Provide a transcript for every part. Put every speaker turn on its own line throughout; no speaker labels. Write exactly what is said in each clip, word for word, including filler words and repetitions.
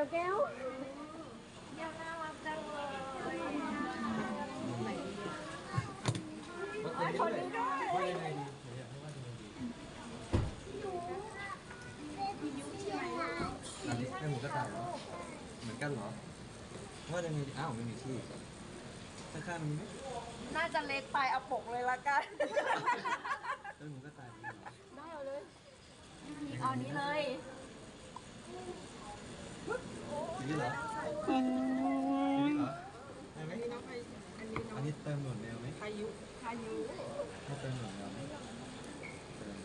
ยวแก้ว
ยังน่ารักจังเลย
คนนี้ด้วยว่ายังไงดีอยากให้ว่ายังไงดีอันนี้เป็นหมูกระต่ายเหรอเหมือนกันเหรอว่ายังไงดีอ้าวไม่มีที่ข้างๆมีไหม
น่าจะเล็กไปเอาปกเลยละกัน
เป็นหมูกระต่ายเหรอ
ได้เอาเลยเอานี้เลย
นี่เหรอนี่เหรอได้ไหมอันนี้เติมหนวดแมวไหม
พายุพายุ
ถ้าเติมหนวดแมวไหมเติม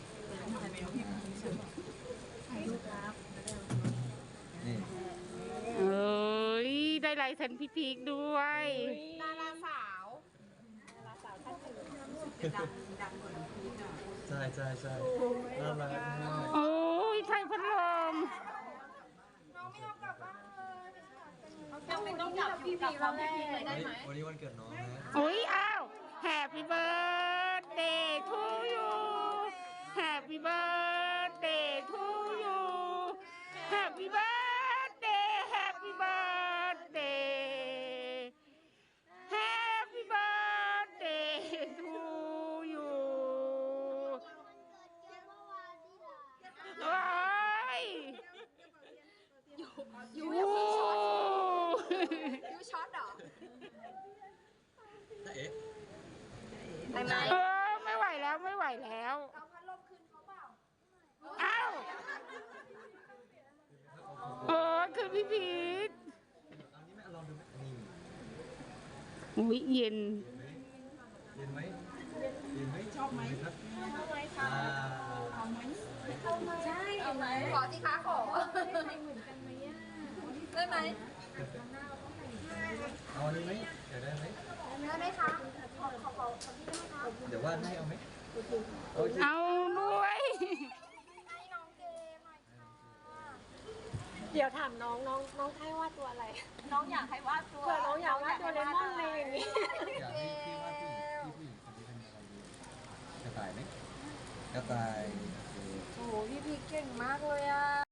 พายุครับ
นี่
เอ้ยได้ลายเซ็นพี่พีคด้วย
ดาราสาวดาราสาวท่านอื่นดังดังเหมือนพีคอ่ะ
ใช่ใช่ใช่น่ารักมาก
โอ้ยใช่พัดลม
น้องไม่เอากลับบ้านเลยยังไม่ต้องกลับพี่พีคแล้วพี่พีคเลยได้ไหม
วันนี้วันเกิดน้องนะ
โอ้ยอ้าว Happy birthday to you Happy birthday to you Happy birthday Happy birthday Happy birthday to you ว้าย
ยูยูยูช็อตยูช็อตเหรอ
เอ๊ะ
ได้ไหม
เออไม่ไหวแล้วไม่ไหวแล้ว
เอาพัดลมคืนเขาเปล่า
อ้าวเออคือพี่พีท
อันนี้แม่ลองดูไหมนี่
อุ้ยเย็น
เย็นไหมเย็นไหมชอบไหมครับ
เอาไหมคะเอาไหมเอาไหมใช่เอาไหมขอสิคะขอได้เหมือนกันไหมอ่ะได้ไหม
เอาอันนี้ไหมเดี๋ยวได้ไหม
ได้ไหมคะขอขอขอขอที่ได้ไหมคะ
เดี๋ยววาดให้เอาไหม
เอาด้วย
ให้น้องเกมหน่อยค่ะเดี๋ยวถามน้องน้องน้องให้วาดตัวอะไร น้องอยากให้วาดตัวเผื่อน้องอยากวาดตัวเลมอนเลยอย่างนี้
อยากให้พี่วาดผู้หญิงพี่ผู้หญิงคนนี้เป็นอะไรดีกระต่ายไหมกระต่าย
โอ้โหพี่พีเก่งมากเลยอ่ะ